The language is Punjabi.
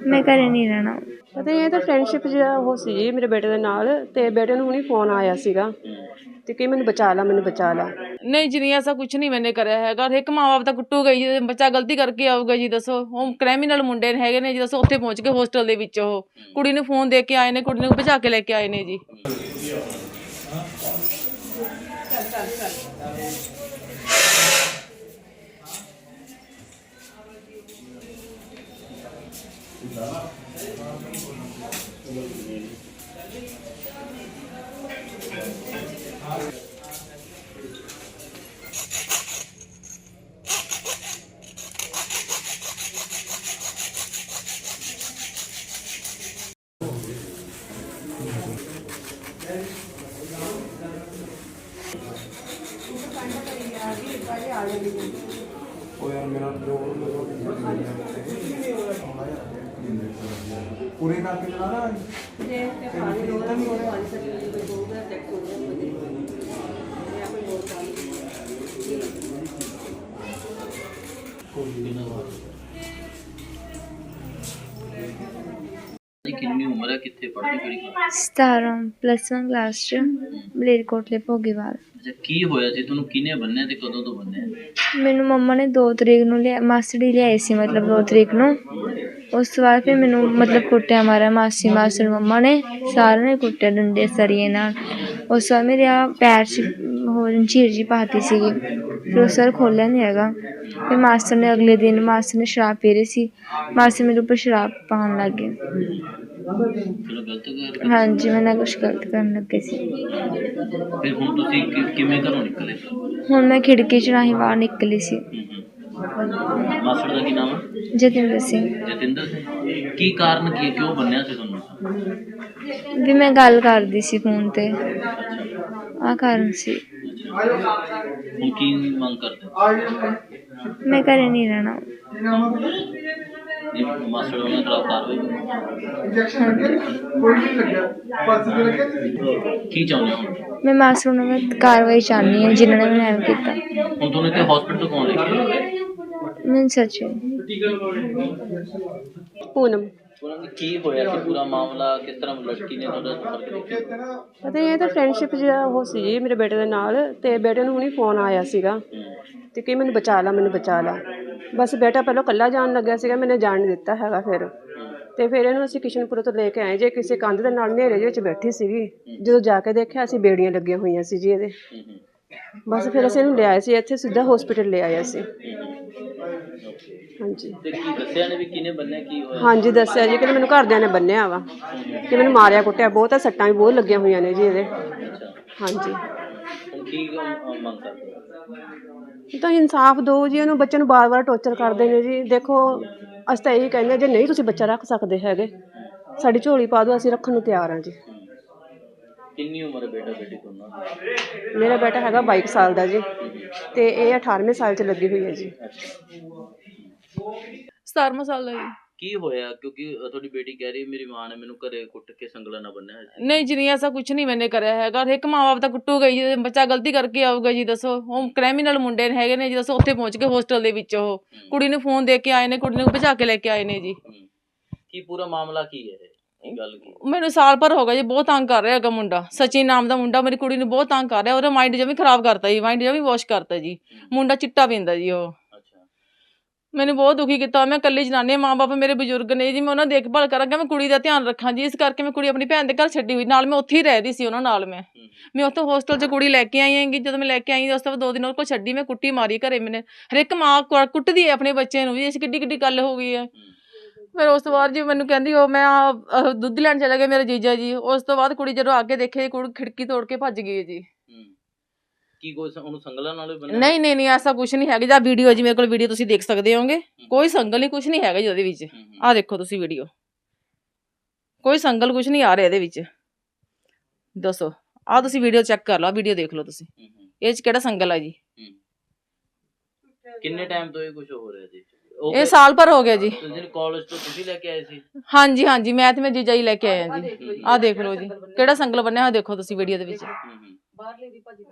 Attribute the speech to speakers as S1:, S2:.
S1: मैं घरे नहीं रहना।
S2: पता ये तो फ्रेंडशिप जिहा वो सी जी मेरे बेटे दे नाल ते बेटे नूं हुणी फोन आया सीगा ते कि मैनूं बचा ला
S3: नहीं जी नहीं ऐसा कुछ नहीं मैंने करा हैगा। एक माँ बाप ਤਾਂ ਕੁੱਟੂਗਾ ਹੀ ਜੇ ਬੱਚਾ ਗਲਤੀ ਕਰਕੇ ਆਊਗਾ ਜੀ। ਦੱਸੋ ਉਹ ਕ੍ਰਿਮੀਨਲ ਮੁੰਡੇ ਹੈਗੇ ਨੇ ਜੀ। ਦੱਸੋ ਉੱਥੇ ਪਹੁੰਚ ਕੇ ਹੋਸਟਲ ਦੇ ਵਿੱਚ ਉਹ ਕੁੜੀ ਨੂੰ ਫੋਨ ਦੇ ਕੇ ਆਏ ਨੇ, ਕੁੜੀ ਨੂੰ ਭਜਾ ਕੇ ਲੈ ਕੇ ਆਏ ਨੇ ਜੀ।
S4: पूरे करके चला ना
S5: कितनी उम्र है, कितने पढ़ती किहड़ी क्लास?
S1: 17 +1 क्लास च ਮਲੇਰਕੋਟਲੇ ਭੋਗੀਵਾਲ।
S5: अच्छा की होया सी तुहानू किने बन्ने ते कदों तो बन्ने?
S1: ਮੈਨੂੰ ਮੰਮਾ ਨੇ 2 ਤਰੀਕ ਨੂੰ ਲਿਆ, ਮਾਸੜੀ ਲਿਆਏ ਸੀ ਮਤਲਬ 2 ਤਰੀਕ ਨੂੰ। ਉਸ ਤੋਂ ਬਾਅਦ ਫਿਰ ਮੈਨੂੰ ਮਤਲਬ ਕੁੱਟਿਆ ਮਾਰਿਆ ਮਾਸੀ ਮਾਸੜ ਮੰਮਾ ਨੇ, ਸਾਰਿਆਂ ਨੇ ਕੁੱਟਿਆ ਡੰਡੇ ਸਰੀਏ ਨਾਲ। ਉਸ ਤੋਂ ਬਾਅਦ ਮੇਰੇ ਆ ਪੈਰ 'ਚ ਹੋਰ ਝੀਰ ਜੀ ਪਾਤੀ ਸੀਗੀ। ਫਿਰ ਉਹ ਸਰ ਖੋਲ੍ਹਿਆ ਨਹੀਂ ਹੈਗਾ। ਫਿਰ ਮਾਸਟਰ ਨੇ ਅਗਲੇ ਦਿਨ ਮਾਸਟਰ ਨੇ ਸ਼ਰਾਬ ਪੀ ਰਹੀ ਸੀ, ਮਾਸਟਰ ਮੇਰੇ ਉੱਪਰ ਸ਼ਰਾਬ ਪਾਉਣ ਲੱਗ ਗਏ।
S5: चलो गलत कर
S1: ਹਾਂਜੀ ਮੈਂ ਨਾ ਕੁਛ ਗਲਤ ਕਰਨ ਲੱਗੇ ਸੀ।
S5: फिर हुण तुसीं किवें घरों निकले?
S1: ਹੁਣ ਮੈਂ ਖਿੜਕੀ 'ਚ ਰਾਹੀਂ ਬਾਹਰ ਨਿਕਲੀ ਸੀ।
S5: मास्टर दा की नाम है?
S1: ਜਤਿੰਦਰ ਸਿੰਘ।
S5: जतिंदर सिंह। की कारण की क्यों बन्निया सी तुहानू?
S1: ਵੀ ਮੈਂ ਗੱਲ करदी सी फोन ते, आ कारण सी।
S5: हुण की मंग करदे?
S1: मैं घरे नहीं रहना।
S5: ये मास्टर होने खिलाफ कार्रवाई की चाहुंदे हो?
S1: मैं मास्टर ਨੂੰ ਮੈਂ ਕਾਰਵਾਈ ਚਾਹਨੀ ਹਾਂ ਜਿਨ੍ਹਾਂ ਨੇ ਮੈਨੂੰ ਐਵੇਂ ਕੀਤਾ।
S5: ਹੁਣ ਤੁਹਾਨੂੰ ਇੱਥੇ ਹਸਪੀਟਲ ਕੌਣ ਲੈ ਕੇ ਆਇਆ?
S1: ਮੈਨੂੰ ਸੱਚ
S2: पूनम।
S5: ਉਹਨਾਂ ਦੀ ਕੀ ਹੋਇਆ ਸੀ ਪੂਰਾ ਮਾਮਲਾ? ਕਿਸ ਤਰ੍ਹਾਂ ਲੜਕੀ ਨੇ ਤੁਹਾਡਾ ਸੰਪਰਕ ਕੀਤਾ?
S2: ਪਤਾ ਇਹ ਤਾਂ ਫਰੈਂਡਸ਼ਿਪ ਜਿਹਾ ਉਹ ਸੀ ਜੀ ਮੇਰੇ ਬੇਟੇ ਦੇ ਨਾਲ ਤੇ ਬੇਟੇ ਨੂੰ ਹੁਣੀ ਫੋਨ ਆਇਆ ਸੀਗਾ ਤੇ ਕਿ ਮੈਨੂੰ ਬਚਾ ਲਾ। ਬਸ ਬੇਟਾ ਪਹਿਲਾਂ ਇਕੱਲਾ ਜਾਣ ਲੱਗਿਆ ਸੀਗਾ, ਮੈਨੇ ਜਾਣ ਨਹੀਂ ਦਿੱਤਾ ਹੈਗਾ। ਫਿਰ ਇਹਨੂੰ ਅਸੀਂ ਕਿਸ਼ਨਪੁਰ ਤੋਂ ਲੈ ਕੇ ਆਏ ਜੇ ਕਿਸੇ ਕੰਧ ਦੇ ਨਾਲ ਹਨੇਰੇ ਵਿੱਚ ਬੈਠੀ ਸੀਗੀ। ਜਦੋਂ ਜਾ ਕੇ ਦੇਖਿਆ ਅਸੀਂ ਬੇੜੀਆਂ ਲੱਗੀਆਂ ਹੋਈਆਂ ਸੀ ਜੀ ਇਹਦੇ। ਬਸ ਫਿਰ ਅਸੀਂ ਇਹਨੂੰ ਲਿਆਏ ਸੀ ਇੱਥੇ ਸਿੱਧਾ ਹਸਪੀਟਲ ਲੈ ਆਏ ਅਸੀਂ। ਹਾਂਜੀ
S5: ਤੇ ਕੀ ਦੱਸਿਆ ਨੇ ਵੀ ਕਿਹਨੇ ਬੰਨਿਆ, ਕੀ ਹੋਇਆ?
S2: ਹਾਂਜੀ ਦੱਸਿਆ ਜੀ ਕਿ ਮੈਨੂੰ ਘਰਦਿਆਂ ਨੇ ਬੰਨਿਆ ਵਾ, ਕਿ ਮੈਨੂੰ ਮਾਰਿਆ ਕੁੱਟਿਆ ਬਹੁਤ ਆ, ਸੱਟਾਂ ਵੀ ਬਹੁਤ ਲੱਗੀਆਂ ਹੋਈਆਂ ਨੇ ਜੀ ਇਹਦੇ। ਹਾਂਜੀ
S5: ਹੁਣ ਕੀ ਮੰਗ ਕਰਦੇ?
S2: ਤਾਂ ਇਨਸਾਫ ਦਿਓ ਜੀ ਇਹਨੂੰ। ਬੱਚੇ ਨੂੰ ਵਾਰ-ਵਾਰ ਟੌਰਚਰ ਕਰਦੇ ਨੇ ਜੀ। ਦੇਖੋ ਅਸੀਂ ਤਾਂ ਇਹੀ ਕਹਿੰਦੇ ਜੇ ਨਹੀਂ ਤੁਸੀਂ ਬੱਚਾ ਰੱਖ ਸਕਦੇ ਹੈਗੇ ਸਾਡੀ ਝੋਲੀ ਪਾ ਦਿਓ, ਅਸੀਂ ਰੱਖਣ ਨੂੰ ਤਿਆਰ ਹਾਂ ਜੀ।
S5: ਕਿੰਨੀ ਉਮਰ ਹੈ ਬੇਟਾ ਬੇਟੀ ਦੋਨਾਂ ਦੀ?
S2: ਮੇਰਾ ਬੇਟਾ ਹੈਗਾ 22 ਸਾਲ ਦਾ ਜੀ ਤੇ ਇਹ 18ਵੇਂ ਸਾਲ 'ਚ ਲੱਗੀ ਹੋਈ ਹੈ ਜੀ।
S3: 17ਵਾਂ ਸਾਲ ਦਾ ਜੀ।
S5: ਕੀ ਹੋਇਆ? ਕਿਉਂਕਿ ਤੁਹਾਡੀ ਬੇਟੀ ਕਹਿ ਰਹੀ ਮੇਰੀ ਮਾਂ ਨੇ ਮੈਨੂੰ ਘਰੇ ਕੁੱਟ ਕੇ ਸੰਗਲਾ ਨਾ ਬੰਨਿਆ ਹੋਇਆ ਸੀ।
S3: ਨਹੀਂ ਜੀ ਨਹੀਂ ऐसा कुछ नहीं मैंने करा हैगा। ਇੱਕ ਮਾਂ ਬਾਪ ਤਾਂ ਕੁੱਟੂਗਾ ਹੀ ਜੇ ਬੱਚਾ ਗਲਤੀ ਕਰਕੇ ਆਊਗਾ ਜੀ। ਦੱਸੋ ਉਹ ਕ੍ਰਿਮੀਨਲ ਮੁੰਡੇ ਹੈਗੇ ਨੇ ਜੀ। ਦੱਸੋ ਉੱਥੇ ਪਹੁੰਚ ਕੇ ਹੋਸਟਲ ਦੇ ਵਿੱਚ ਉਹ ਕੁੜੀ ਨੂੰ ਫੋਨ ਦੇ ਕੇ ਆਏ ਨੇ, ਕੁੜੀ ਨੂੰ ਭਜਾ ਕੇ ਲੈ ਕੇ ਆਏ ਨੇ ਜੀ।
S5: ਕੀ ਪੂਰਾ ਮਾਮਲਾ ਕੀ ਹੈ ਇਹ ਗੱਲ ਕੀ?
S3: ਮੈਨੂੰ ਸਾਲ ਭਰ ਹੋ ਗਿਆ ਜੀ, ਬਹੁਤ ਤੰਗ ਕਰ ਰਿਹਾ ਹੈਗਾ ਮੁੰਡਾ। ਸਚਿਨ ਨਾਮ ਦਾ ਮੁੰਡਾ ਮੇਰੀ ਕੁੜੀ ਨੂੰ ਬਹੁਤ ਤੰਗ ਕਰ ਰਿਹਾ। ਉਹਦਾ ਮਾਈਂਡ ਜਮੀ ਖਰਾਬ ਕਰਤਾ ਜੀ, ਮਾਈਂਡ ਜਮੀ ਵਾਸ਼ ਕਰਤਾ ਜੀ। ਮੁੰਡਾ ਚਿੱਟਾ ਪੀਂਦਾ ਜੀ ਉਹ। ਮੈਨੂੰ ਬਹੁਤ ਦੁਖੀ ਕੀਤਾ। ਮੈਂ ਇਕੱਲੀ ਜਨਾਨੀ, ਮਾਂ ਬਾਪ ਮੇਰੇ ਬਜ਼ੁਰਗ ਨੇ ਜੀ। ਮੈਂ ਉਹਨਾਂ ਦੀ ਦੇਖਭਾਲ ਕਰਾਂਗਾ, ਮੈਂ ਕੁੜੀ ਦਾ ਧਿਆਨ ਰੱਖਾਂ ਜੀ। ਇਸ ਕਰਕੇ ਮੈਂ ਕੁੜੀ ਆਪਣੀ ਭੈਣ ਦੇ ਘਰ ਛੱਡੀ ਹੋਈ, ਨਾਲ ਮੈਂ ਉੱਥੇ ਹੀ ਰਹਿ ਰਹੀ ਸੀ ਉਹਨਾਂ ਨਾਲ। ਮੈਂ ਉੱਥੋਂ ਹੋਸਟਲ 'ਚ ਕੁੜੀ ਲੈ ਕੇ ਆਈ ਹੈਗੀ। ਜਦੋਂ ਮੈਂ ਲੈ ਕੇ ਆਈ ਉਸ ਤੋਂ ਬਾਅਦ 2 ਦਿਨ ਉਹਦੇ ਕੋਲ ਛੱਡੀ, ਮੈਂ ਕੁੱਟੀ ਮਾਰੀ ਘਰੇ। ਮੈਨੇ ਹਰੇਕ ਮਾਂ ਕੁੱਟਦੀ ਹੈ ਆਪਣੇ ਬੱਚੇ ਨੂੰ ਜੀ। ਇਸ ਕਿੱਡੀ ਗੱਲ ਹੋ ਗਈ ਹੈ। ਫਿਰ ਉਸ ਤੋਂ ਬਾਅਦ ਜੀ ਮੈਨੂੰ ਕਹਿੰਦੀ ਉਹ ਮੈਂ ਦੁੱਧ ਲੈਣ ਚਲੇ ਗਏ ਮੇਰੇ ਜੀਜਾ ਜੀ। ਉਸ ਤੋਂ ਬਾਅਦ ਕੁੜੀ ਜਦੋਂ ਅੱਗੇ ਦੇਖੇ, ਕੁੜੀ ਖਿੜਕੀ ਤੋੜ ਕੇ ਭੱਜ ਗਈ ਜੀ।
S5: ਕੀ ਕੋਈ ਉਹਨੂੰ ਸੰਗਲਾਂ ਨਾਲ ਬੰਨਿਆ?
S3: ਨਹੀਂ ਐਸਾ ਕੁਝ ਨਹੀਂ ਹੈਗਾ ਜੀ। ਵੀਡੀਓ ਜੀ ਮੇਰੇ ਕੋਲ ਵੀਡੀਓ ਤੁਸੀਂ ਦੇਖ ਸਕਦੇ ਹੋਗੇ। ਕੋਈ ਸੰਗਲ ਨਹੀਂ, ਕੁਝ ਨਹੀਂ ਹੈਗਾ ਜੀ ਉਹਦੇ ਵਿੱਚ। ਆਹ ਦੇਖੋ ਤੁਸੀਂ ਵੀਡੀਓ, ਕੋਈ ਸੰਗਲ ਕੁਝ ਨਹੀਂ ਆ ਰਿਹਾ ਇਹਦੇ ਵਿੱਚ। ਦੱਸੋ ਆਹ ਤੁਸੀਂ ਵੀਡੀਓ ਚੈੱਕ ਕਰ ਲਓ, ਵੀਡੀਓ ਦੇਖ ਲਓ ਤੁਸੀਂ, ਇਹ 'ਚ ਕਿਹੜਾ ਸੰਗਲ ਆ ਜੀ।
S5: ਕਿੰਨੇ ਟਾਈਮ ਤੋਂ ਇਹ ਕੁਝ ਹੋ ਰਿਹਾ ਜੀ?
S3: ਇਹ ਸਾਲ ਭਰ ਹੋ ਗਿਆ ਜੀ।
S5: ਕਾਲਜ ਤੋਂ ਤੁਸੀਂ ਲੈ ਕੇ ਆਏ ਸੀ?
S3: ਹਾਂਜੀ ਮੈਂ ਤੇ ਮੈਂ ਜੀਜਾ ਹੀ ਲੈ ਕੇ ਆਏ ਆ ਜੀ। ਆਹ ਦੇਖ ਲਓ ਜੀ ਕਿਹੜਾ ਸੰਗਲ ਬੰਨਿਆ ਹੋਇਆ, ਦੇਖੋ ਤੁਸੀਂ ਵੀਡੀਓ ਦੇ ਵਿੱਚ।